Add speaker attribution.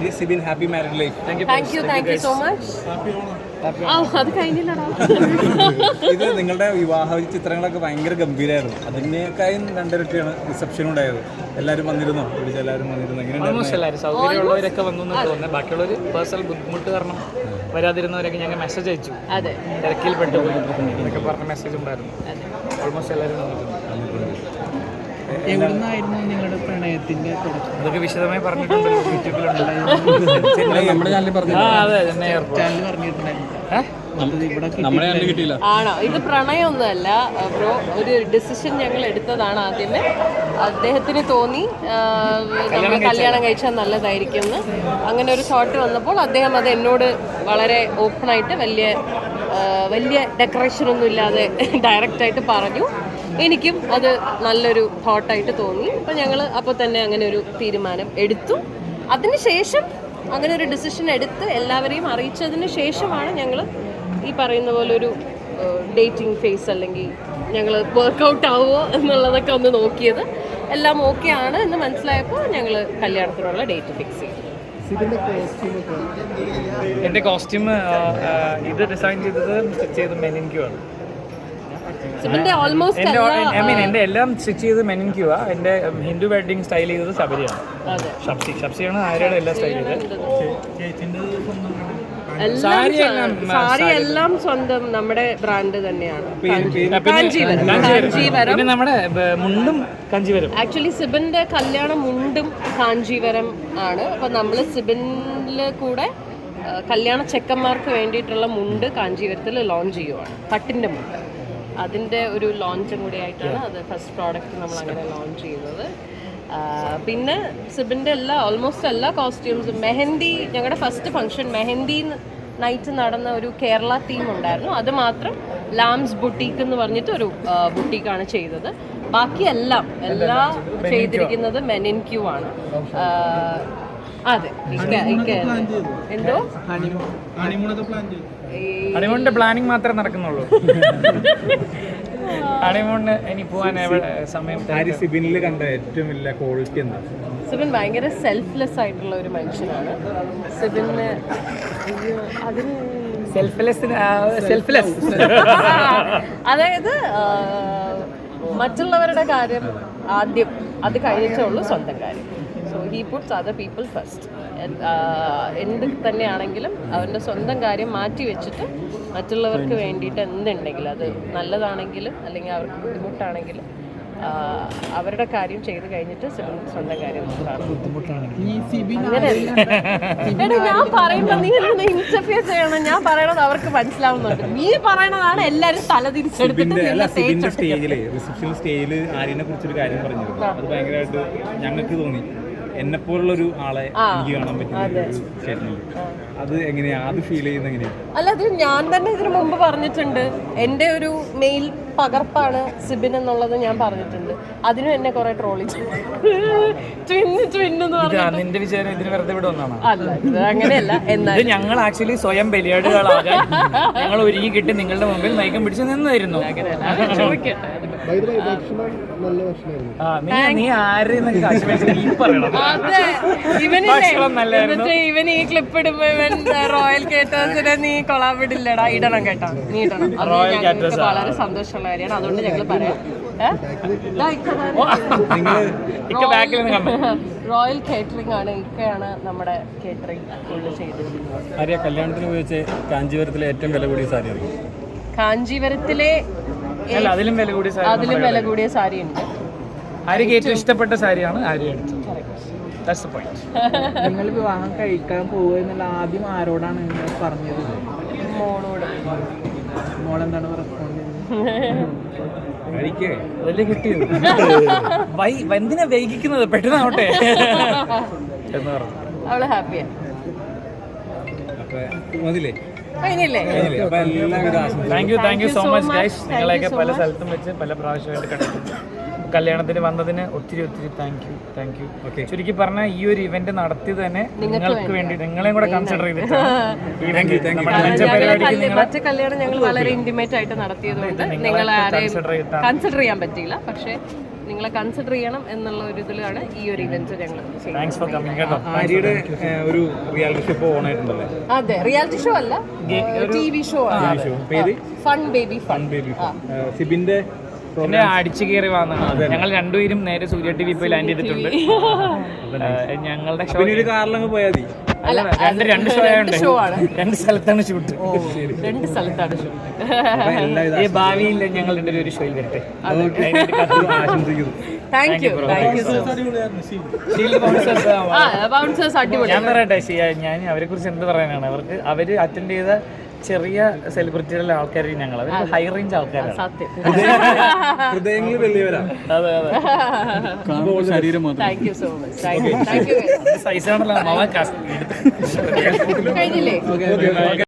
Speaker 1: Arya Sibin happy married life.
Speaker 2: Thank you so much. അത് കഴിഞ്ഞില്ലടാ.
Speaker 1: ഇത് നിങ്ങളുടെ വിവാഹ ചിത്രങ്ങളൊക്കെ ഭയങ്കര ഗംഭീരമായിരുന്നു. അതിനേക്കാളും രണ്ടിരട്ടിയാണ് റിസപ്ഷൻ ഉണ്ടായത്. എല്ലാവരും വന്നിരുന്നോ? എല്ലാവരും വന്നിരുന്നു.
Speaker 3: എങ്ങനെയാണ്? സൗകര്യമുള്ളവരൊക്കെ വന്നു തോന്നുന്നത്. ബാക്കിയുള്ളവർ പേഴ്സണൽ ബുദ്ധിമുട്ട് കാരണം വരാതിരുന്നവരൊക്കെ ഞങ്ങൾ മെസ്സേജ് അയച്ചു. തിരക്കിൽ പെട്ടുപോയി എന്നൊക്കെ പറഞ്ഞ മെസ്സേജ് ഉണ്ടായിരുന്നു. ഓൾമോസ്റ്റ് എല്ലാവരും വന്നിട്ടുണ്ട്.
Speaker 4: എവിടുന്നായിരുന്നു നിങ്ങളുടെ പ്രണയത്തിന്റെ
Speaker 3: അതൊക്കെ വിശദമായി പറഞ്ഞിട്ടുണ്ട്. യൂട്യൂബിലുണ്ട്.
Speaker 1: നമ്മുടെ ചാനലിൽ പറഞ്ഞു.
Speaker 3: അതെ, ചെന്നൈ
Speaker 4: ചാനൽ പറഞ്ഞിട്ടുണ്ടായിരുന്നു.
Speaker 2: ആണോ? ഇത് പ്രണയമൊന്നുമല്ല ബ്രോ. ഒരു ഡിസിഷൻ ഞങ്ങൾ എടുത്തതാണ് ആദ്യമേ. അദ്ദേഹത്തിന് തോന്നി നമ്മൾ കല്യാണം കഴിച്ചാൽ നല്ലതായിരിക്കും എന്ന്. അങ്ങനെ ഒരു തോട്ട് വന്നപ്പോൾ അദ്ദേഹം അത് എന്നോട് വളരെ ഓപ്പണായിട്ട് വലിയ ഡെക്കറേഷനൊന്നും ഇല്ലാതെ ഡയറക്റ്റായിട്ട് പറഞ്ഞു. എനിക്കും അത് നല്ലൊരു തോട്ടായിട്ട് തോന്നി. അപ്പം ഞങ്ങൾ അപ്പോൾ തന്നെ അങ്ങനെ ഒരു തീരുമാനം എടുത്തു. അതിനുശേഷം അങ്ങനെ ഒരു ഡിസിഷൻ എടുത്ത് എല്ലാവരെയും അറിയിച്ചതിന് ശേഷമാണ് ഞങ്ങൾ ഈ പറയുന്ന പോലെ ഒരു ഡേറ്റിംഗ് ഫേസ് അല്ലെങ്കിൽ ഞങ്ങൾ വർക്കൗട്ട് ആവുമോ എന്നുള്ളതൊക്കെ ഒന്ന് നോക്കിയത്. എല്ലാം ഓക്കെ ആണ് എന്ന് മനസ്സിലായപ്പോൾ ഞങ്ങൾ കല്യാണത്തിനുള്ള ഡേറ്റ് ഫിക്സ് ചെയ്തു.
Speaker 3: എൻ്റെ കോസ്റ്റ്യൂം ഇത് ഡിസൈൻ ചെയ്തത് സ്റ്റിച്ച് ചെയ്ത് മെനിൻക്യൂ ആണ്. എൻ്റെ എല്ലാം സ്റ്റിച്ച് ചെയ്ത് മെനിൻക്യൂ ആ. എൻ്റെ ഹിന്ദു വെഡിങ് സ്റ്റൈൽ ചെയ്തത് ശബരിയാണ്. ഷബ്സിയാണ് ആര്യയുടെ എല്ലാം സ്റ്റൈൽ ചെയ്തത്.
Speaker 2: സാരി എല്ലാം സ്വന്തം നമ്മുടെ ബ്രാൻഡ് തന്നെയാണ്.
Speaker 3: പിന്നെ നമ്മുടെ മുണ്ടും കാഞ്ചീവരം.
Speaker 2: ആക്ച്വലി സിബിന്റെ കല്യാണം മുണ്ടും കാഞ്ചീവരം ആണ്. അപ്പൊ നമ്മൾ സിബിനില് കൂടെ കല്യാണ ചെക്കന്മാർക്ക് വേണ്ടിയിട്ടുള്ള മുണ്ട് കാഞ്ചീവരത്തിൽ ലോഞ്ച് ചെയ്യുവാണ്. പട്ടിന്റെ മുണ്ട്. അതിൻ്റെ ഒരു ലോഞ്ചും കൂടി ആയിട്ടാണ് അത് ഫസ്റ്റ് പ്രോഡക്റ്റ് നമ്മൾ അങ്ങനെ ലോഞ്ച് ചെയ്യുന്നത്. പിന്നെ സിബിൻ്റെ ഓൾമോസ്റ്റ് എല്ലാ കോസ്റ്റ്യൂംസും മെഹന്തി, ഞങ്ങളുടെ ഫസ്റ്റ് ഫംഗ്ഷൻ മെഹന്തി നൈറ്റ് നടന്ന ഒരു കേരള തീം ഉണ്ടായിരുന്നു. അത് മാത്രം ലാംസ് ബുട്ടീക്ക് എന്ന് പറഞ്ഞിട്ട് ഒരു ബുട്ടീക്കാണ് ചെയ്തത്. ബാക്കി എല്ലാം ചെയ്തിരിക്കുന്നത് മെനിൻക്യൂ ആണ്. അതെ, എന്തോ
Speaker 3: ഹണിമൂണിന്റെ പ്ലാനിങ് മാത്രമേ നടക്കുന്നുള്ളൂ. ഹണിമൂണിന് ഇനി പോവാൻ സമയം.
Speaker 1: സിബിനിൽ കണ്ട ഏറ്റവും വലിയ ക്വാളിറ്റി എന്താ?
Speaker 2: സിബിൻ ഭയങ്കര സെൽഫ്ലെസ് ആയിട്ടുള്ള ഒരു മനുഷ്യനാണ്. സിബിന് അതിന്
Speaker 3: സെൽഫ്ലെസ്
Speaker 2: അതായത് മറ്റുള്ളവരുടെ കാര്യം ആദ്യം, അത് കഴിഞ്ഞിട്ടേ ഉള്ളൂ സ്വന്തം കാര്യം. So he puts other people first. എന്ത് തന്നെയാണെങ്കിലും അവൻ്റെ സ്വന്തം കാര്യം മാറ്റി വെച്ചിട്ട് മറ്റുള്ളവർക്ക് വേണ്ടിയിട്ട് എന്തുണ്ടെങ്കിലും, അത് നല്ലതാണെങ്കിലും അല്ലെങ്കിൽ അവർക്ക് ബുദ്ധിമുട്ടാണെങ്കിലും അവരുടെ കാര്യം ചെയ്ത് കഴിഞ്ഞിട്ട് സ്വന്തം കാര്യം അങ്ങനെയല്ല. ഞാൻ പറയുമ്പോൾ നീ എന്തിനാ ഇന്റർഫിയർ ചെയ്യണം? ഞാൻ പറയണത് അവർക്ക് മനസ്സിലാവുന്നുണ്ട്. നീ പറയണതാണ് എല്ലാവരും തലതിരിച്ചെടുത്തിട്ട്
Speaker 1: സ്റ്റേജിൽ ആര്യനെ കുറിച്ചൊരു കാര്യം പറഞ്ഞിരുന്നു. അത് ഭയങ്കരമായിട്ട് ഞങ്ങൾക്ക് തോന്നി. എന്നെപ്പോലുള്ളൊരു ആളെ എനിക്ക് കാണാൻ പറ്റും. അത് എങ്ങനെയാ അത് ഫീൽ ചെയ്യുന്നത്? എങ്ങനെയാണ്?
Speaker 2: അല്ല, അത് ഞാൻ തന്നെ ഇതിനു മുമ്പ് പറഞ്ഞിട്ടുണ്ട്. എൻ്റെ ഒരു മെയിൽ പകർപ്പാണ് സിബിൻ എന്നുള്ളത് ഞാൻ പറഞ്ഞിട്ടുണ്ട്. അതിനും എന്നെ കുറെ ട്രോളി
Speaker 3: നിന്റെ വിചാരം ഇതിന് വെറുതെ ഇവിടെ ഒന്നാണ്?
Speaker 2: അല്ല, അങ്ങനെയല്ല. എന്നാൽ
Speaker 3: ഞങ്ങൾ ആക്ച്വലി സ്വയം ബലിയാടുകളാകാൻ ഞങ്ങൾ ഒരുങ്ങി കിട്ടി നിങ്ങളുടെ മുമ്പിൽ നയിക്കാൻ പിടിച്ച് നിന്നായിരുന്നു. നീ ആരെയും
Speaker 2: ഇവൻ ഈ ക്ലിപ്പ് ഇടുമ്പോ ഇവൻ റോയൽ കേറ്റേഴ്സിനെ നീ കൊളാബിടില്ലടാ. ഇടണം കേട്ടോ, നീ ഇടണം. അത് വളരെ സന്തോഷമുള്ള കാര്യമാണ്. അതുകൊണ്ട് ഞങ്ങൾ പറയാം. റോയൽ കേറ്ററിംഗ് ആണ്, ഇക്കയാണ് നമ്മുടെ കേറ്ററിംഗ് ഫുള്ള് ചെയ്തിരിക്കുന്നത്.
Speaker 1: കല്യാണത്തിന് ഉപയോഗിച്ച് കാഞ്ചീപുരത്തിലെ ഏറ്റവും വില കൂടിയ സാരി?
Speaker 2: കാഞ്ചീപുരത്തിലെ
Speaker 3: അതിലും
Speaker 2: വില കൂടിയ സാരി ഉണ്ട്.
Speaker 3: ആര്യക്ക് ഏറ്റവും ഇഷ്ടപ്പെട്ട സാരിയാണ് ആര്യ എടുത്തത്.
Speaker 4: നിങ്ങൾ വിവാഹം കഴിക്കാൻ പോകുക എന്നുള്ള ആദ്യം ആരോടാണ് പറഞ്ഞത്?
Speaker 2: മോളോട്.
Speaker 4: മോളെന്താണ് റെസ്പോണ്ട്
Speaker 3: അതല്ലേ കിട്ടിയത്. എന്തിനാ വൈകിക്കുന്നത്, പെട്ടെന്നാവട്ടെ എന്ന് പറഞ്ഞു.
Speaker 2: അവള് ഹാപ്പിയാ.
Speaker 3: Thank you so much guys. നിങ്ങളെയൊക്കെ പല സ്ഥലത്തും വെച്ച് പല പ്രാവശ്യമായിട്ട് കണ്ടിട്ടുണ്ട്. കല്യാണത്തിന് വന്നതിന് ഒത്തിരി താങ്ക് യു. ചുരുക്കി പറഞ്ഞാൽ ഈ ഒരു ഇവന്റ് നടത്തിയത് തന്നെ നിങ്ങൾക്ക് വേണ്ടി, നിങ്ങളെയും കൂടെ കൺസിഡർ ചെയ്തിട്ട്
Speaker 2: മറ്റു കല്യാണം ഞങ്ങൾ വളരെ ഇന്റിമേറ്റ് ആയിട്ട് നടത്തിയതുകൊണ്ട് നിങ്ങളെ ആരെയും കൺസിഡർ ചെയ്യാൻ പറ്റിയില്ല. പക്ഷേ നിങ്ങളെ കൺസിഡർ ചെയ്യണം എന്നുള്ള ഒരു ഇതിലാണ് ഈ ഒരു ഇവന്റ് ഞങ്ങൾ ചെയ്യുന്നത്.
Speaker 3: താങ്ക്സ് ഫോർ കമ്മിങ് കേട്ടോ.
Speaker 1: ആര്യയുടെ ഒരു റിയാലിറ്റി ഷോ ഇപ്പോൾ ഓൺ ആയിട്ടുണ്ടല്ലേ?
Speaker 2: അതെ, റിയാലിറ്റി ഷോ അല്ല, TV ഷോ ആണ്.
Speaker 1: പേര്
Speaker 2: ഫൺ ബേബി ഫൺ.
Speaker 1: ബേബി സിബിന്റെ
Speaker 3: എന്നെ അടിച്ചു കയറി വന്നതാണ്. ഞങ്ങൾ രണ്ടുപേരും നേരെ സൂര്യ TV പോയി ലാൻഡ് ചെയ്തിട്ടുണ്ട്. ഞങ്ങളുടെ ഷോ
Speaker 1: ഒരു കാറിലങ്ങ് പോയാൽ മതി.
Speaker 3: രണ്ട് ഷോ ആയതുകൊണ്ട് രണ്ട് സ്ഥലത്താണ് ഷൂട്ട്.
Speaker 2: രണ്ട് സ്ഥലത്താണ് ഷൂട്ട്.
Speaker 3: ഈ ഭാവിയിൽ ഞങ്ങൾ രണ്ടുപേരും ഒരു ഷോയിൽ വരട്ടെ.
Speaker 1: ആശംസിക്കുന്നു.
Speaker 2: Thank you so much. Bouncers അടിപൊളി.
Speaker 3: ഞാൻ പറയട്ടെ, ഞാൻ അവരെ കുറിച്ച് എന്ത് പറയാനാണ്. അവര് അറ്റൻഡ് ചെയ്ത ചെറിയ സെലിബ്രിറ്റികളുടെ ആൾക്കാർ ഞങ്ങൾ ഹൈ റേഞ്ച് ആൾക്കാരാണ്.
Speaker 2: സത്യം.
Speaker 1: ഹൃദയങ്ങൾ വലിയവരാ.
Speaker 3: അതെ
Speaker 1: ശരീരം
Speaker 2: thank you so much. Thank you.
Speaker 3: സൈസാണല്ലോ
Speaker 2: കഴിഞ്ഞില്ലേ?